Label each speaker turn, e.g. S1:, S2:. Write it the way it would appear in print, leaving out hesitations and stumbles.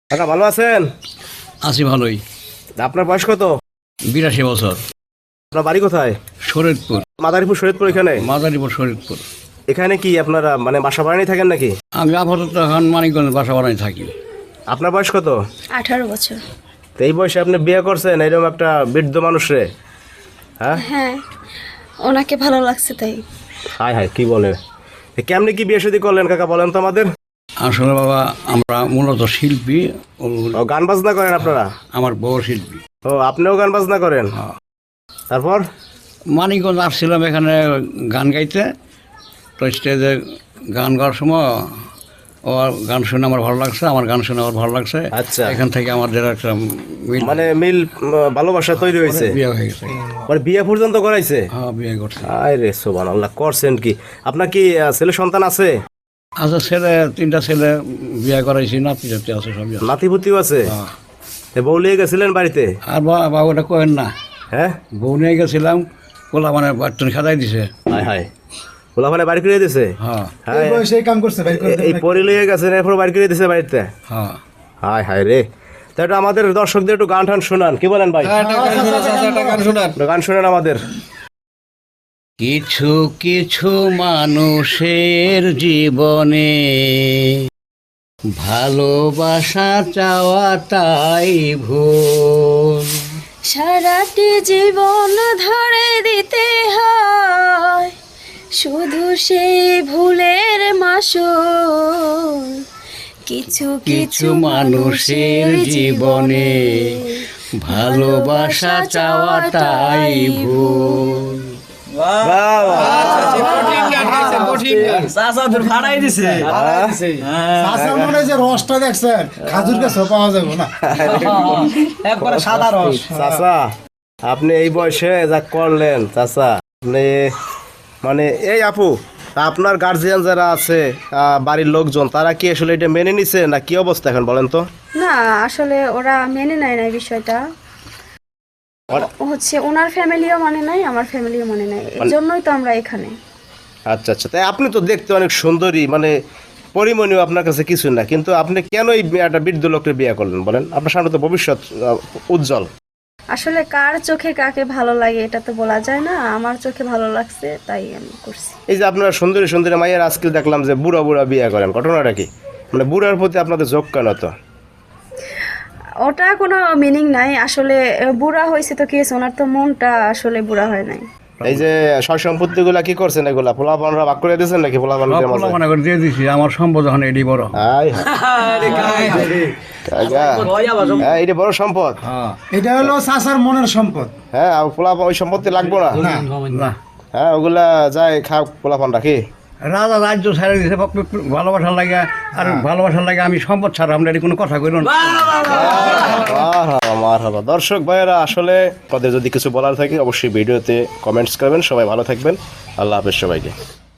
S1: কাকা ভালো আছেন?
S2: আছি ভালোই।
S1: আপনার বয়স কত?
S2: 82 বছর।
S1: আপনার বাড়ি কোথায়?
S2: শরীয়তপুর।
S1: মাদারীপুর শরীয়তপুর এখানে?
S2: মাদারীপুর শরীয়তপুর।
S1: এখানে কি আপনারা মানে বাসা বাড়ানি থাকেন নাকি?
S2: আমি আপাতত এখন মানিকগঞ্জ বাসা বাড়ায় থাকি।
S1: আপনার বয়স কত?
S3: 18 বছর।
S1: তো এই বয়সে আপনি বিয়ে করছেন এরকম একটা বৃদ্ধ মানুষরে? হ্যাঁ
S3: হ্যাঁ, ওনাকে ভালো লাগছে তাই।
S1: হায় হায় কি বলে, কেমনি কি বিয়ে শাদী করলেন কাকা বলেন তো আমাদের।
S2: আসলে বাবা আমরা মূলত শিল্পী।
S1: ও গান বাজনা করেন আপনারা?
S2: আমার বউ শিল্পী।
S1: ও আপনিও গান বাজনা করেন? তারপর
S2: মানিকগঞ্জ আসছিলাম এখানে গান গাইতে, তো স্টেজে গান গাওয়ার সময় ও গান শুনে আমার ভালো লাগছে, আমার গান শুনে আমার ভালো লাগছে।
S1: আচ্ছা।
S2: এখান থেকে আমাদের একটা
S1: মানে মিল ভালোবাসা তৈরি হয়েছে?
S2: বিয়ে হয়ে গেছে।
S1: মানে বিয়ে পর্যন্ত করাইছে?
S2: হ্যাঁ, বিয়ে করছে।
S1: আয় রে সুবহানাল্লাহ, করছেন কি? আপনার কি ছেলে সন্তান আছে?
S2: আচ্ছা, ছেলে 3টা ছেলে বিয়ে করাইছি, নাতি জাতি আছে সবই আছে।
S1: নাতিপুতিও আছে?
S2: হ্যাঁ।
S1: এ বউ লিয়ে গেছিলেন বাড়িতে?
S2: আর বাবুটা কয়েন না,
S1: হ্যাঁ
S2: বউ নিয়ে গেছিলাম, পোলা মানে বাটন খাদাই দিছে।
S1: হায় হায়, ওলাখানে বাড়ি করে দিছে?
S2: হ্যাঁ
S1: হ্যাঁ,
S4: সেই কাম করছে ভাই
S1: এই পরে লিয়ে গেছেন এরপর বাড়ি করে দিছে বাড়িতে?
S2: হ্যাঁ।
S1: হায় হায় রে। তা একটু আমাদের দর্শকদের একটু গান টান শোনান, কি বলেন ভাই? একটু গান শোনান আমাদের।
S2: কিছু কিছু মানুষের জীবনে ভালোবাসা চাওয়া তাই ভুল।
S3: সারাটি জীবন ধরে দিতে হয় শুধু সেই ভুলের মাসুল। কিছু
S2: কিছু মানুষের জীবনে ভালোবাসা চাওয়া তাই ভুল।
S1: বাহ, বাহ।
S4: চাষার মনে যে রসটা দেখছেন খাজুর গাছ পাওয়া যাবে না, একবারে সাদা রস।
S1: চাচা আপনি এই বয়সে যা করলেন চাচা, আপনি মানে এই আপু আপনার গার্জিয়ান যারা আছে বাড়ির লোকজন তারা কি আসলে এটা মেনে নিছে না কি অবস্থা এখন বলেন তো?
S3: না, আসলে ওরা মেনে নেয় না এই বিষয়টা। হচ্ছে ওনার ফ্যামিলিও মানে নাই, আমার ফ্যামিলিও মানে নাই, এই জন্যই তো আমরা এখানে।
S1: আচ্ছা আচ্ছা, তাই আপনি তো দেখতে অনেক সুন্দরী, মানে পরিমণীয় আপনার কাছে কিছু না, কিন্তু আপনি কেন এই একটা বৃদ্ধ লোকের বিয়ে করলেন বলেন? আপনার সামনে তো ভবিষ্যৎ উজ্জ্বল।
S3: আসলে কার চোখে কাকে ভালো লাগে এটা তো বলা যায় না, আমার চোখে ভালো লাগছে তাই আমি করছি।
S1: এই যে আপনারা সুন্দরী সুন্দরী মাইয়ের আজকে দেখলাম যে বুড়া বুড়া বিয়ে করেন, ঘটনাটা কি? মানে বুড়ার প্রতি আপনাদের যোগ কেন তো?
S3: ওটা কোনো মিনিং নাই আসলে। বুড়া হয়েছে তো কি হয়েছে, ওনার তো মনটা আসলে বুড়া হয় নাই।
S1: এই যে সয় সম্পত্তি গুলা কি করছেন এগুলা পোলাপানরা ভাগ করে দিয়েছেন নাকি? পোলাপানদের মাঝে?
S2: মনে করে দিয়ে দিছি, আমার সম্পদ এখন এডি বড়।
S1: হায় হ্যাঁ, এটা বড় সম্পদ।
S4: এটা হলো চাষার মনের সম্পদ।
S1: হ্যাঁ, আর পোলাপান ওই সম্পত্তি লাগবো না।
S2: না,
S1: হ্যাঁ, ওগুলা যায় খাও পোলাপান রাখি।
S2: রাজা রাজ্য ছাড়া দিছে ভালোবাসার লাগে, আর ভালোবাসার লাগে আমি সম্পদ ছাড়া আমরা এটি কোনো কথা কইল না।
S1: মারহাবা। দর্শক ভাইয়েরা, আসলে আপনাদের যদি কিছু বলার থাকে অবশ্যই ভিডিওতে কমেন্টস করবেন। সবাই ভালো থাকবেন, আল্লাহ হাফেজ সবাইকে।